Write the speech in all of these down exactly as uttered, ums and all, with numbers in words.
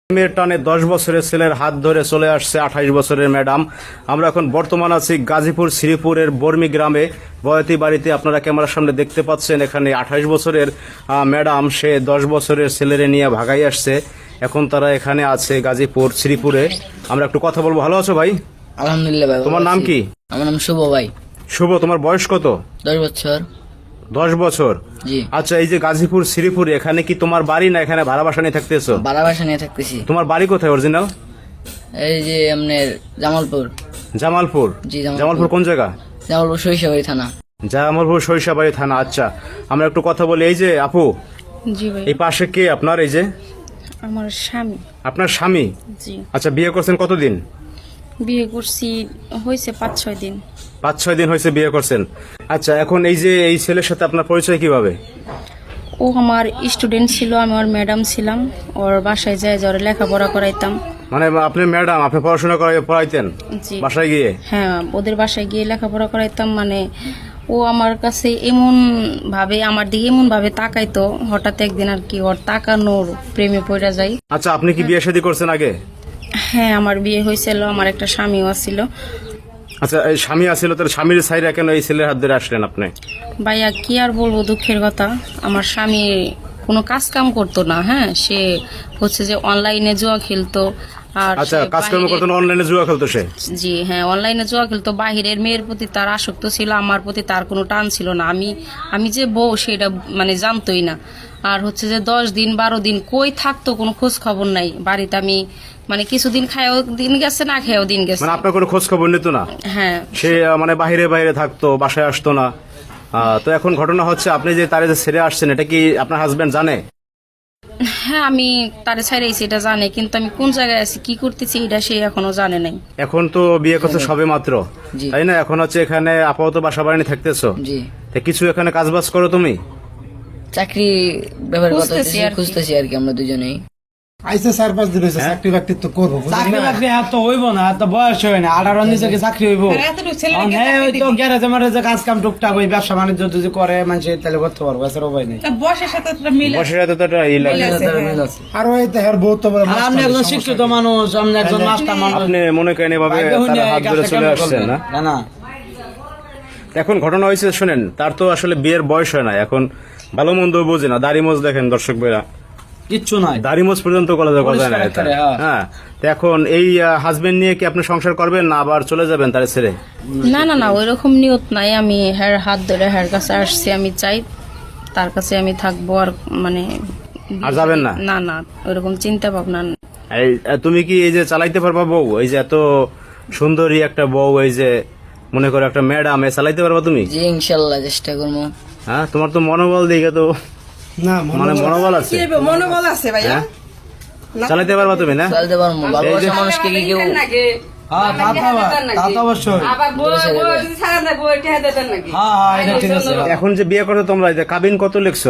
মেয়ের টানে দশ বছরের ছেলের হাত ধরে চলে আসছে আঠাইশ বছরের ম্যাডাম। আমরা এখন বর্তমান আছি গাজীপুর শ্রীপুরের বর্মি গ্রামে বয়াতি বাড়িতে। আপনারা ক্যামেরার সামনে দেখতে পাচ্ছেন এখানে আঠাইশ বছরের ম্যাডাম সে দশ বছরের ছেলেরে নিয়ে ভাগাই আসছে। এখন তারা এখানে আছে গাজীপুর শ্রীপুরে। আমরা একটু কথা বলবো। ভালো আছো ভাই? আলহামদুলিল্লাহ ভাই। তোমার নাম কি? আমার নাম শুভ ভাই। শুভ, তোমার বয়স কত? দশ বছর। দশ বছর? জি। আচ্ছা, এই যে গাজীপুর শ্রীপুর, এখানে কি তোমার বাড়ি না এখানে ভাড়া বাসা নিয়ে থাকতেছো? ভাড়া বাসা নিয়ে থাকতেছি। তোমার বাড়ি কোথায় অরিজিনাল? এই যে আপনার জামালপুর। জামালপুর? জি, জামালপুর। জামালপুর কোন জায়গা? জামালপুর সরিষাবাড়ি থানা। জামালপুর সরিষাবাড়ি থানা। আচ্ছা, আমরা একটু কথা বলি। এই যে আপু, জি ভাই। এই পাশে কে আপনার? এই যে আমার স্বামী। আপনার স্বামী? জি। আচ্ছা, বিয়ে করছেন কতদিন? বিয়ে করছি হয়েছে পাঁচ ছয় দিন। পাঁচ ছয় দিন হয়েছে বিয়ে করছেন। আচ্ছা, এখন এই যে এই ছেলের সাথে আপনার পরিচয় কিভাবে? ও আমার স্টুডেন্ট ছিল, আমি ওর ম্যাডাম ছিলাম। ওর বাসায় যায় যারা লেখাপড়া করাইতাম। মানে আপনি ম্যাডাম, আপনি পড়াশোনা করাই পড়াইতেন জি। বাসায় গিয়ে? হ্যাঁ, ওদের বাসায় গিয়ে লেখাপড়া করাইতাম। মানে ও আমার কাছে এমন ভাবে, আমার দিকে এমন ভাবে তাকাইতো, হঠাৎ একদিন আর কি ওর তাকানোর প্রেমে পড়া যায়। আচ্ছা, আপনি কি বিয়ে শাদী করছেন আগে? হ্যাঁ, আমার বিয়ে হয়েছিল, আমার একটা স্বামীও ছিল। আচ্ছা, এই স্বামী আছিল, তার স্বামীর সাইরা কেন এই ছেলের হাত ধরে আসলেন আপনি? ভাইয়া কি আর বলবো, দুঃখের কথা। আমার স্বামী কোনো কাজ কাম করতো না। হ্যাঁ, সে হচ্ছে যে অনলাইনে জুয়া খেলতো। আর আচ্ছা, সে কাজকর্ম বাহিরে- করতেন, অনলাইনে জুয়া খেলতো সে? জি হ্যাঁ, অনলাইনে জুয়া খেলতো। বাহিরের মেয়ের প্রতি তার আসক্ত ছিল, আমার প্রতি তার কোনো টান ছিল না। আমি আমি যে বউ সেটা মানে জানতোই না। আর হচ্ছে যে দশ দিন বারো দিন কই থাকতো কোনো খোঁজ খবর নাই বাড়িতে। আমি মানে কিছুদিন খায়ও দিন গেছে, না খেয়েও দিন গেছে। মানে আপনার কোনো খোঁজ খবর নিত না? হ্যাঁ। সে আহ, মানে বাইরে বাইরে থাকতো, বাসায় আসতো না। আহ, তো এখন ঘটনা হচ্ছে আপনি যে তারে যে ছেড়ে আসছেন, এটা কি আপনার হাজবেন্ড জানে? হ্যাঁ, আমি তারে ছাইরাইছি এটা জানে, কিন্তু আমি কোন জায়গায় আছি কি করতেছি এটা সে এখনো জানে নাই। এখন তো বিয়ে করতে সবে মাত্র, জি। তাই না? এখন হচ্ছে এখানে আপাতত বাসা বাড়ি নিয়ে থাকতেছো। জি। তা কিছু এখানে কাজ বাজ করো তুমি? চাকরি ব্যাপারে কথা খুঁজতেছি আর কি। খুঁজতেছি আর কি আমরা দুজনেই। আইসে চার পাঁচ দিন হয়েছে, চাকরি বাকরি তো করবো। চাকরি বাকরি এত হইব না, এত বয়স হয় না। আঠারো নিচে কি চাকরি হইব? হ্যাঁ, ওই তো গ্যারেজে ম্যারেজে কাজ কাম টুকটাক ওই ব্যবসা বাণিজ্য যদি করে মানুষ তাহলে করতে পারবো, এছাড়া উপায় নেই। বয়সের সাথে বসে রাতে তো একটা ই লাগে। মিল আছে। আর ওই তো হের বহুত বড় আর আপনি একজন শিক্ষিত মানুষ, আপনি একজন মাস্টার মানুষ। আপনি মনে করেন এভাবে তার হাত ধরে চলে আসছেন না? না না, এখন ঘটনা হয়েছে, শুনেন, তার তো আসলে বিয়ের বয়স হয় না, এখন ভালো মন্দ বোঝে না। দাড়ি মোজ দেখেন দর্শক ভাইরা, কিচ্ছু নাই। দাড়ি মোজ পর্যন্ত করা যায় না পরিষ্কার এটা। করে, হ্যাঁ। হ্যাঁ, তো এখন এই হাজবেন্ড নিয়ে কি আপনি সংসার করবেন না আবার চলে যাবেন তারে ছেড়ে? না না না, ওই রকম নিয়ত নাই। আমি হ্যার হাত ধরে হ্যার কাছে আসছি, আমি চাই তার কাছে আমি থাকবো। আর মানে আর যাবেন না? না না, ওইরকম চিন্তা ভাবনা না। এই তুমি কি এই যে চালাইতে পারবা বউ? এই যে এত সুন্দরী একটা বউ, এই যে মনে করো একটা ম্যাডাম, এ চালাইতে পারবা তুমি? জি ইনশাল্লাহ চেষ্টা করবো। হ্যাঁ, তোমার তো মনোবল দিকে তো না মানে মনোবল আছে, মনোবল আছে ভাইয়া। হ্যাঁ? চালাইতে পারবা তুমি না? চলতে পারবো। ভালোবাসা মানুষকে কি কেউ হ্যাঁ, তা তো আবার- তা তো অবশ্যই। আবার বউ বউ যদি ছাড়া দেয় বউ এটা দেবেন নাকি? হ্যাঁ হ্যাঁ, এটা ঠিক আছে। এখন যে বিয়ে করো তোমরা, এই যে কাবিন কত লিখছো?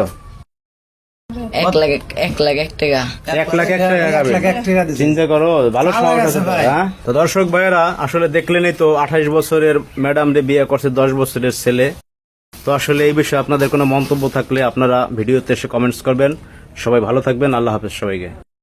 এক লাখ এক- এক লাখ এক টাকা। এক লাখ এক টাকা এক কাবিন। লাখ এক টাকা দিছি। চিন্তা করো, ভালো ভালো সমাজ গেছে আছে তো, ভাই। হ্যাঁ? তো দর্শক ভাইয়েরা, আসলে দেখলেনই তো আঠাইশ বছরের ম্যাডাম রে বিয়ে করছে দশ বছরের ছেলে। তো আসলে এই বিষয়ে আপনাদের কোনো মন্তব্য থাকলে আপনারা ভিডিওতে এসে কমেন্টস করবেন। সবাই ভালো থাকবেন। আল্লাহ হাফেজ সবাইকে।